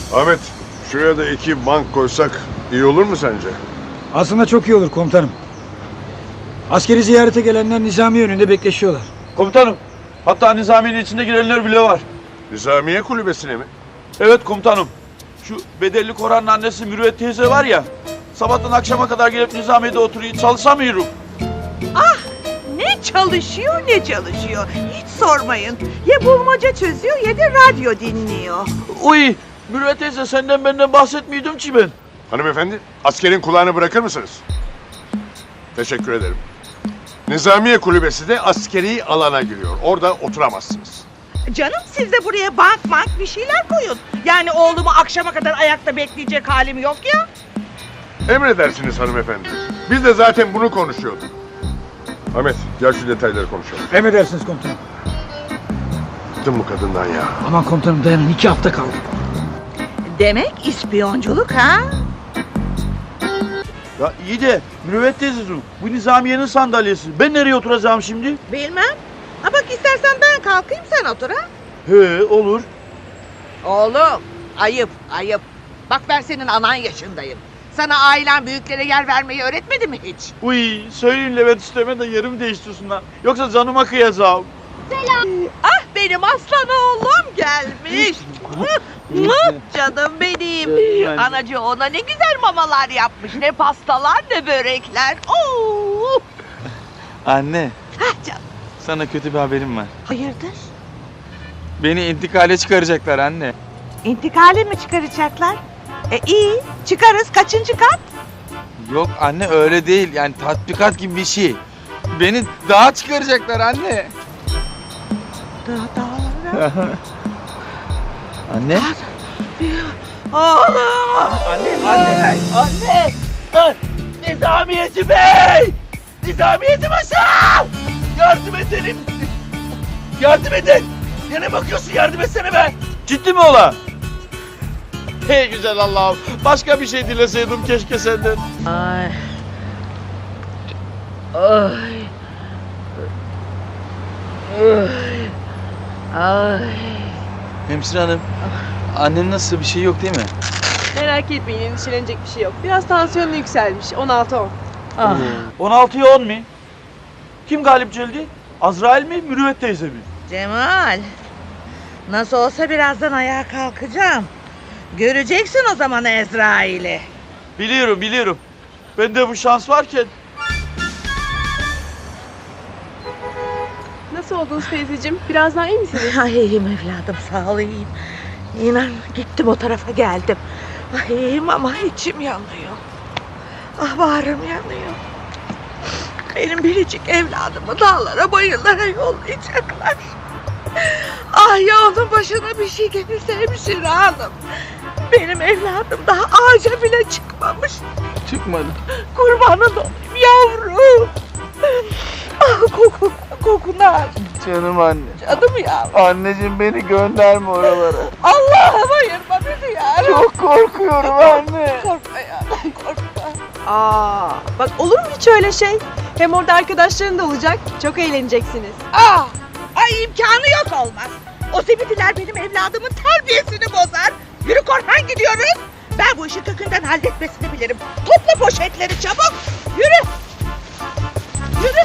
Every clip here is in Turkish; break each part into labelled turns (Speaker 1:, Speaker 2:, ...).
Speaker 1: Ahmet, şuraya da iki bank koysak iyi olur mu sence?
Speaker 2: Aslında çok iyi olur komutanım. Askeri ziyarete gelenler Nizami önünde bekleşiyorlar.
Speaker 3: Komutanım, hatta Nizamiye'nin içinde girenler bile var.
Speaker 1: Nizamiye kulübesine mi?
Speaker 3: Evet komutanım. Şu bedelli Koran'ın annesi Mürüvvet teyze var ya, sabahtan akşama kadar gelip Nizamiye'de oturuyor, çalışamıyorum.
Speaker 4: Ne çalışıyor ne çalışıyor. Hiç sormayın. Ya bulmaca çözüyor ya da radyo dinliyor.
Speaker 3: Uy, Mürüvvet teyze senden benden bahsetmiyordum ki ben.
Speaker 1: Hanımefendi, askerin kulağını bırakır mısınız? Teşekkür ederim. Nizamiye kulübesi de askeri alana giriyor. Orada oturamazsınız.
Speaker 4: Canım siz de buraya bank bir şeyler koyun. Yani oğlumu akşama kadar ayakta bekleyecek halim yok ya.
Speaker 1: Emredersiniz hanımefendi. Biz de zaten bunu konuşuyorduk. Ahmet, gel şu detayları konuşalım.
Speaker 2: Emredersiniz komutanım.
Speaker 1: Bıktım bu kadından ya.
Speaker 2: Aman komutanım dayanın, 2 hafta kaldı.
Speaker 4: Demek ispiyonculuk ha?
Speaker 3: Ya iyi de Mürüvvet teyzeciğim, bu Nizamiye'nin sandalyesi. Ben nereye oturacağım şimdi?
Speaker 4: Bilmem. Ha bak istersen ben kalkayım sen otur ha.
Speaker 3: He, olur.
Speaker 4: Oğlum ayıp. Bak ben senin anan yaşındayım. Sana ailen büyüklere yer vermeyi öğretmedi mi hiç?
Speaker 3: Uy, söyleyin Levent isteme de yerimi değiştirsinler. Yoksa canıma kıyacağım.
Speaker 4: Ah benim aslan oğlum gelmiş. Canım benim. Anacı ona ne güzel mamalar yapmış. Ne pastalar ne börekler. Oo.
Speaker 5: Anne,
Speaker 4: Hah canım.
Speaker 5: sana kötü bir haberim var.
Speaker 4: Hayırdır?
Speaker 5: Beni intikale çıkaracaklar anne.
Speaker 4: İntikale mi çıkaracaklar? İyi çıkarız. Kaçıncı kat?
Speaker 5: Yok anne öyle değil. Yani tatbikat gibi bir şey. Beni dağa çıkaracaklar anne.
Speaker 4: Daha.
Speaker 5: Anne?
Speaker 4: Oğlum.
Speaker 3: Anne! Nizamiyeci Bey! Nizamiyeci Paşa! Yardım edelim! Yardım edin! Yine bakıyorsun, yardım etsene be! Ciddi mi ola? Hey güzel Allah'ım! Başka bir şey dileseydim keşke senden.
Speaker 4: Ay. Ay. Ay.
Speaker 5: Hemşire hanım. Annenin nasıl, bir şey yok değil mi?
Speaker 6: Merak etmeyin, endişelenecek bir şey yok. Biraz tansiyonu yükselmiş, 16-10.
Speaker 4: Ah.
Speaker 3: 16'ya 10 mi? Kim galip geldi? Azrail mi, Mürüvvet teyze mi?
Speaker 4: Cemal. Nasıl olsa birazdan ayağa kalkacağım. Göreceksin o zaman Ezrail'i.
Speaker 3: Biliyorum. Bende bu şans varken.
Speaker 6: Nasıl oldunuz teyzeciğim? Biraz daha iyi misiniz?
Speaker 4: Ay iyiyim evladım sağ ol iyiyim. İnan gittim o tarafa geldim. Ay iyiyim ama içim yanıyor. Ah bağrım yanıyor. Benim biricik evladımı dağlara bayırlara yollayacaklar. Ah ya onun başına bir şey gelirse hemşire hanım. Benim evladım daha ağaca bile çıkmamış.
Speaker 5: Çıkmadı.
Speaker 4: Kurbanın olayım yavrum. Ah kokunu al.
Speaker 5: Canım anne.
Speaker 4: Canım ya.
Speaker 5: Anneciğim beni gönderme oralara.
Speaker 4: Allah'ım ayırma bizi ya.
Speaker 5: Çok korkuyorum anne.
Speaker 4: Korkma ya korkma.
Speaker 6: Aa, bak olur mu hiç öyle şey? Hem orada arkadaşların da olacak, çok eğleneceksiniz.
Speaker 4: Ay imkanı yok olmaz. O zibitiler benim evladımın terbiyesini bozar. Yürü Korhan gidiyoruz. Ben bu işi kökünden halletmesini bilirim. Topla poşetleri çabuk. Yürü. Yürü.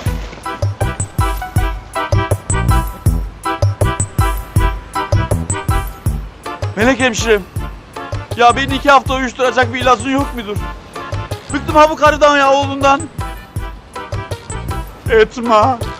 Speaker 3: Melek hemşirem. Ya beni 2 hafta uyuşturacak bir ilacın yok mudur? Bıktım ha bu karıdan ya, oğlundan. Etme.